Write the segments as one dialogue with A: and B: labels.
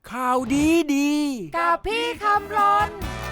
A: ข่าวดีดี
B: กับพี่คำรน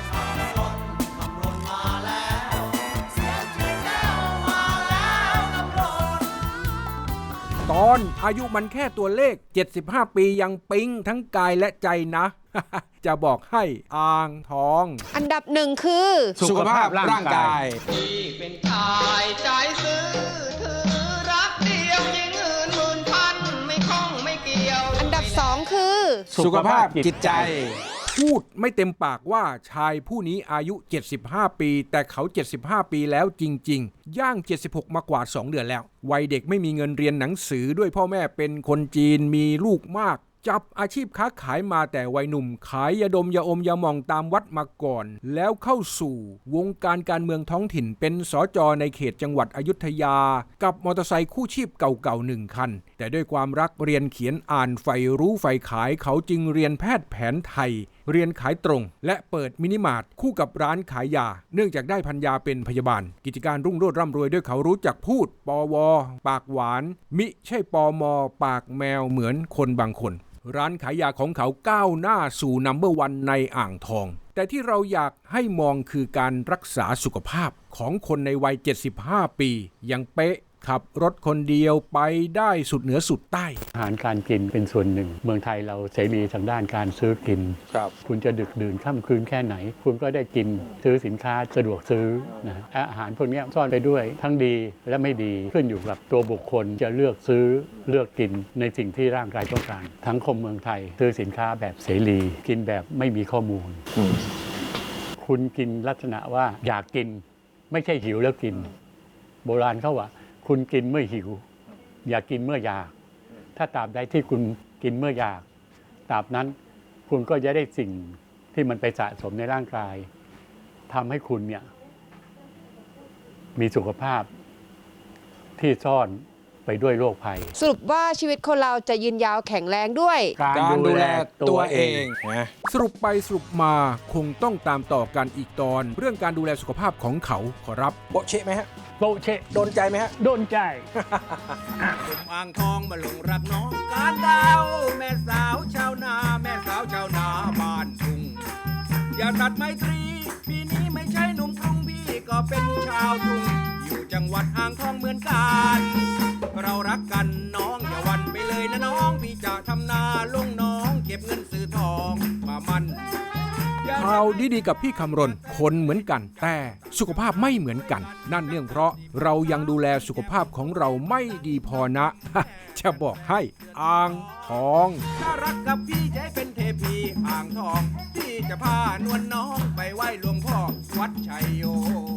A: ตอนอายุมันแค่ตัวเลข75ปียังปิ๊งทั้งกายและใจนะ จะบอกให้อ่างทอง
B: อันดับหนึ่งคือ
C: สุขภาพร่างกาย
D: ที่เป็นชายใจซื้อถือรักเดียวยิ่งอื่นหมื่นพันไม่คล้องไม่เกี่ยว
B: อันดับสองคือ
C: สุขภาพจิตใจ
A: พูดไม่เต็มปากว่าชายผู้นี้อายุ75ปีแต่เขา75ปีแล้วจริงๆย่าง76มากว่า2 เดือนแล้ววัยเด็กไม่มีเงินเรียนหนังสือด้วยพ่อแม่เป็นคนจีนมีลูกมากจับอาชีพค้าขายมาแต่วัยหนุ่มขายยาดมยาอมยาหม่องตามวัดมาก่อนแล้วเข้าสู่วงการเมืองท้องถิ่นเป็นสจ.ในเขตจังหวัดอยุธยากับมอเตอร์ไซค์คู่ชีพเก่าๆ1 คันแต่ด้วยความรักเรียนเขียนอ่านใฝ่รู้ใฝ่ขายเขาจึงเรียนแพทย์แผนไทยเรียนขายตรงและเปิดมินิมาร์ทคู่กับร้านขายยาเนื่องจากได้ภรรยาเป็นพยาบาลกิจการรุ่งโรจน์ร่ำรวยด้วยเขารู้จักพูดปวปากหวานมิใช่ปมปากแมวเหมือนคนบางคนร้านขายยาของเขาก้าวหน้าสู่นัมเบอร์วันในอ่างทองแต่ที่เราอยากให้มองคือการรักษาสุขภาพของคนในวัย75ปียังเป๊ะขับรถคนเดียวไปได้สุดเหนือสุดใต้
E: อาหารการกินเป็นส่วนหนึ่งเมืองไทยเราเสรีทางด้านการซื้อกินคุณจะดึกดื่นค่ำคืนแค่ไหนคุณก็ได้กินซื้อสินค้าสะดวกซื้อนะอาหารพวกนี้ซ่อนไปด้วยทั้งดีและไม่ดีขึ้นอยู่กับตัวบุคคลจะเลือกซื้อเลือกกินในสิ่งที่ร่างกายต้องการทั้งคมเมืองไทยซื้อสินค้าแบบเสรีกินแบบไม่มีข้อมูลคุณกินลักษณะว่าอยากกินไม่ใช่หิวแล้วกินโบราณเขาว่าคุณกินเมื่อหิวอย่ากินเมื่ออยากถ้าตราบใดที่คุณกินเมื่ออยากตราบนั้นคุณก็จะได้สิ่งที่มันไปสะสมในร่างกายทำให้คุณเนี่ยมีสุขภาพที่ซ่อนไปด้วยโรคภัย
B: สรุปว่าชีวิตคนเราจะยืนยาวแข็งแรงด้วย
C: การดูแลตัวเอง
A: สรุปไปสรุปมาคงต้องตามต่อกันอีกตอนเรื่องการดูแลสุขภาพของเขาขอรับ
C: โบเชไหมฮะ
E: โบเช
C: โดนใจไหมฮะ
E: โดนใจ
D: ผมอ่างทองมาลงรักน้องการดาวแม่สาวชาวนาแม่สาวชาวนาบ้านทุ่งอย่าตัดไมตรีปีนี้ไม่ใช่หนุ่มกรุงพี่ก็เป็นชาวทุ่งอยู่จังหวัดอ่างทองเหมือนกันเรารักกันน้องอย่าหวั่นไปเลยนะน้องพี่จะทำนาลงน้องเก็บเงินซื้อทองมามัน
A: ข่าวดีๆกับพี่คำรณคนเหมือนกันแต่สุขภาพไม่เหมือนกันนั่นเนื่องเพราะเรายังดูแลสุขภาพของเราไม่ดีพอนะ จะบอกให้อ่างทอง
D: ถ้ารักกับพี่จะให้เป็นเทพีอ่างทองพี่จะพานวลน้องไปไหว้หลวงพ่อวัดชัยโย